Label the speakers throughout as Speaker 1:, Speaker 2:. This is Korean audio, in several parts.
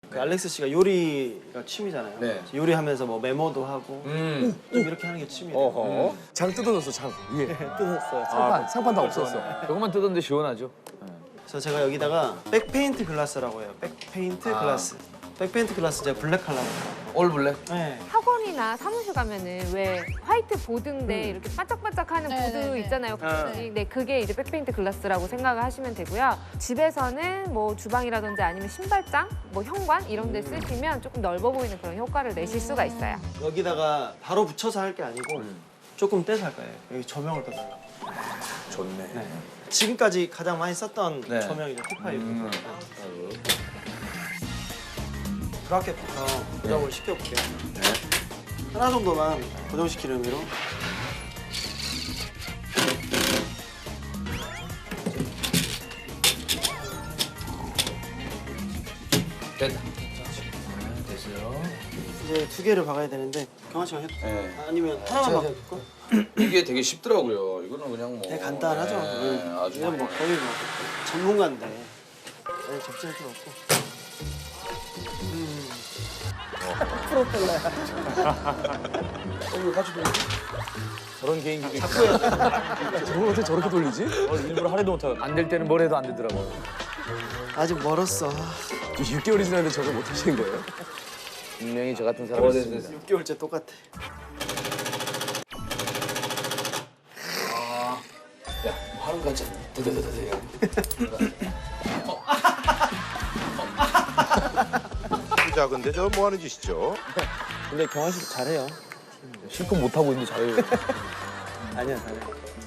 Speaker 1: 그 알렉스 씨가 요리가 취미잖아요.
Speaker 2: 네.
Speaker 1: 요리하면서 뭐 메모도 하고 좀 이렇게 하는 게 취미예요.
Speaker 3: 장 뜯어졌어, 장. 예.
Speaker 1: 뜯었어요.
Speaker 3: 상판 다 없었어.
Speaker 2: 조금만 뜯었는데 시원하죠.
Speaker 1: 그래서 제가 여기다가 백페인트 글라스라고 해요. 백페인트 글라스. 백페인트 글라스 제가 블랙 컬러로.
Speaker 2: 올 블랙.
Speaker 1: 네.
Speaker 4: 학원이나 사무실 가면은 왜 화이트 보드인데 이렇게 반짝반짝하는 보드 있잖아요. 네, 그게 이제 백페인트 글라스라고 생각을 하시면 되고요. 집에서는 뭐 주방이라든지 아니면 신발장, 뭐 현관 이런 데 쓰시면 조금 넓어 보이는 그런 효과를 내실 수가 있어요.
Speaker 1: 여기다가 바로 붙여서 할 게 아니고 조금 떼서 할 거예요. 여기 조명을 떠달라고.
Speaker 3: 좋네.
Speaker 1: 네. 지금까지 가장 많이 썼던
Speaker 2: 네.
Speaker 1: 조명이죠. T5. 브라켓부터 고정을 시켜볼게요. 하나 정도만 고정시키는 의미로.
Speaker 2: 됐다. 됐어요.
Speaker 1: 이제 두 개를 박아야 되는데 경환 씨가 해도 돼요?
Speaker 2: 네.
Speaker 1: 아니면 하나만 바꿀까?
Speaker 2: 이게 되게 쉽더라고요. 이거는 그냥 뭐.
Speaker 1: 되게 간단하죠.
Speaker 2: 네, 아주.
Speaker 1: 이건 뭐 거의 뭐 전문가인데 네, 접시할 필요 없고. 프로펠러야.
Speaker 2: 이거 같이 돌리지?
Speaker 3: 저런 개인기도 있고. 저걸 어떻게 저렇게 돌리지? 일부러 하려도 못하고. 안 될 때는 뭘 해도 안 되더라고.
Speaker 1: 아직 멀었어.
Speaker 3: 6개월이 지났는데 저걸 못 하시는 거예요?
Speaker 2: 분명히 저 같은 사람이 있습니다.
Speaker 1: 6개월째 똑같아.
Speaker 2: 야, 하는 거 같지?
Speaker 5: 자, 근데 저 뭐 하는 짓이죠?
Speaker 1: 근데 경환 씨 잘해요.
Speaker 3: 실컷 못하고 있는데 잘해요.
Speaker 1: 아니야, 잘해.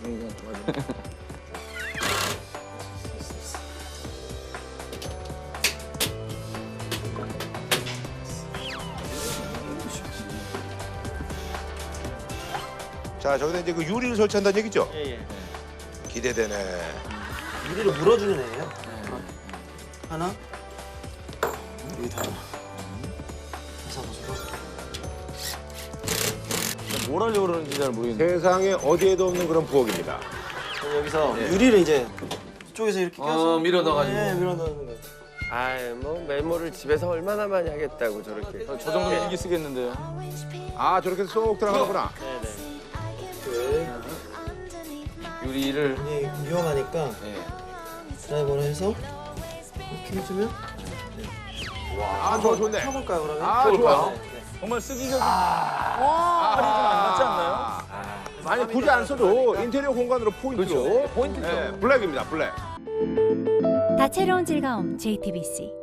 Speaker 5: 자, 저기다 이제 그 유리를 설치한다는 얘기죠?
Speaker 1: 예, 예.
Speaker 5: 기대되네.
Speaker 1: 유리를 물어주는 애예요. 하나. 여기다 하나.
Speaker 3: 뭘 하려고 그러는지 잘 모르겠는데.
Speaker 5: 세상에 어디에도 없는 그런 부엌입니다.
Speaker 1: 여기서 유리를 이제 이쪽에서 이렇게 껴서
Speaker 2: 밀어 넣어가지고.
Speaker 1: 네, 밀어 넣는 거예요.
Speaker 6: 아이 뭐 메모를 집에서 얼마나 많이 하겠다고 저렇게.
Speaker 3: 저 정도면 일기 쓰겠는데요.
Speaker 5: 아, 저렇게 쏙 들어가는구나.
Speaker 2: 유리를.
Speaker 1: 이게 위험하니까
Speaker 2: 네.
Speaker 1: 드라이버를 해서 이렇게 해주면
Speaker 5: 아, 좋네.
Speaker 1: 펴볼까요, 그러면?
Speaker 5: 아, 좋아.
Speaker 1: 네, 네.
Speaker 3: 정말 쓰기 좀 할이 좀 안 맞지 않나요?
Speaker 5: 아니, 굳이 안 써도 인테리어 공간으로 포인트로.
Speaker 2: 포인트죠.
Speaker 5: 네, 블랙입니다, 블랙.
Speaker 7: 다채로운 즐거움 JTBC